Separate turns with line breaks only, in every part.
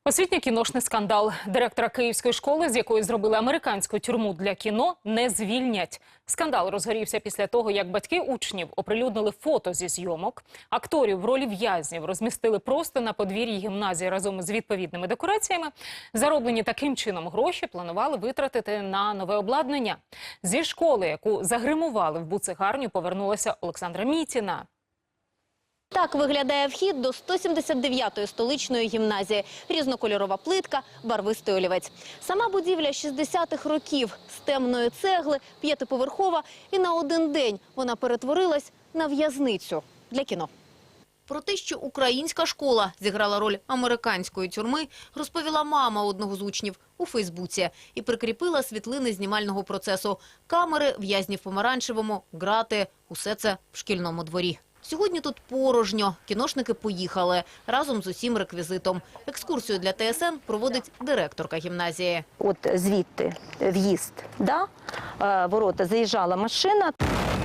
Освітньо-кіношний скандал. Директора київської школи, з якої зробили американську тюрму для кіно, не звільнять. Скандал розгорівся після того, як батьки учнів оприлюднили фото зі зйомок. Акторів в ролі в'язнів розмістили просто на подвір'ї гімназії разом з відповідними декораціями. Зароблені таким чином гроші планували витратити на нове обладнання. Зі школи, яку загримували в буцегарню, повернулася Олександра Мітіна.
Так виглядає вхід до 179-ї столичної гімназії. Різнокольорова плитка, барвистий олівець. Сама будівля 60-х років. З темної цегли, 5-поверхова. І на один день вона перетворилась на в'язницю для кіно. Про те, що українська школа зіграла роль американської тюрми, розповіла мама одного з учнів у Фейсбуці і прикріпила світлини знімального процесу. Камери, в'язні в помаранчевому, грати – усе це в шкільному дворі. Сьогодні тут порожньо. Кіношники поїхали разом з усім реквізитом. Екскурсію для ТСН проводить директорка гімназії.
От звідти в'їзд, да? Ворота, заїжджала машина.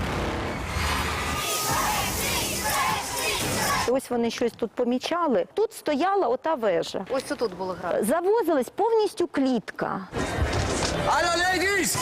Ось вони щось тут помічали. Тут стояла ота вежа.
Ось це тут було грати.
Завозилась повністю клітка.
Алло, лейдіс!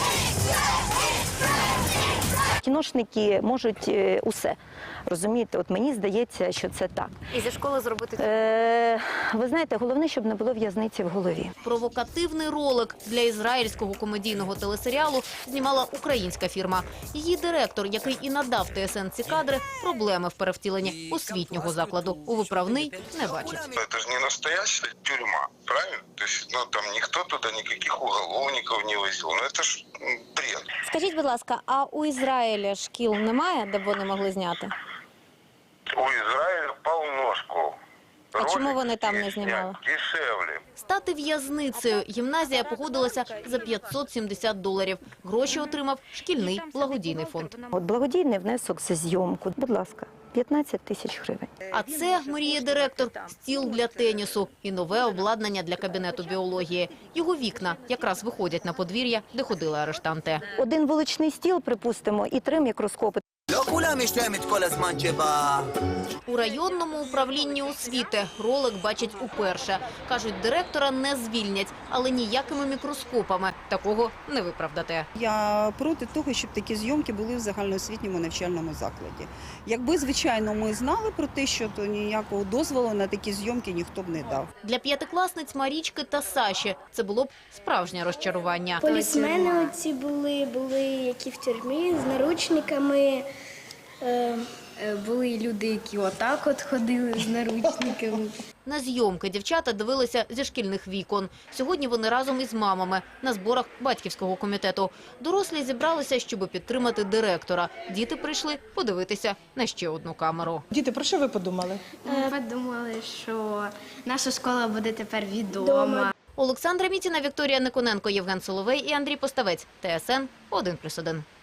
Кіношники можуть усе. Розумієте, от мені здається, що це так.
І зі школи зробити
Ви знаєте, головне, щоб не було в'язниці в голові.
Провокативний ролик для ізраїльського комедійного телесеріалу знімала українська фірма. Її директор, який і надав ТСН ці кадри, проблеми в перевтіленні освітнього закладу у виправний не бачить.
Это же не настоящая тюрьма, правильно? То есть, там никто туда никаких уголовников не возил. Ну, это ж бред.
Скажіть, будь ласка, а у Ізраїлі шкіл немає, де б вони могли зняти?
У Израиля полно школ.
А чому
Ролики
вони там не
есть
знімали?
дешевле.
Стати в'язницею гімназія погодилася за $570. Гроші отримав шкільний благодійний фонд.
От благодійний внесок за зйомку, будь ласка, 15 тисяч гривень.
А це, мріє директор, стіл для тенісу і нове обладнання для кабінету біології. Його вікна якраз виходять на подвір'я, де ходили арештанти.
Один вуличний стіл, припустимо, і 3 мікроскопи.
У районному управлінні освіти ролик бачать уперше. Кажуть, директора не звільнять, але ніякими мікроскопами такого не виправдати.
Я проти того, щоб такі зйомки були в загальноосвітньому навчальному закладі. Якби, звичайно, ми знали про те, що то ніякого дозволу на такі зйомки ніхто б не дав.
Для п'ятикласниць Марічки та Саші це було б справжнє розчарування.
Полісмени оці були які в тюрмі з наручниками. Були люди, які отак от ходили з наручниками.
На зйомки дівчата дивилися зі шкільних вікон. Сьогодні вони разом із мамами на зборах батьківського комітету. Дорослі зібралися, щоб підтримати директора. Діти прийшли подивитися на ще одну камеру.
Діти, про що ви подумали?
Ми подумали, що наша школа буде тепер відома.
Олександра Мітіна, Вікторія Никоненко, Євген Соловей і Андрій Поставець. ТСН 1+1.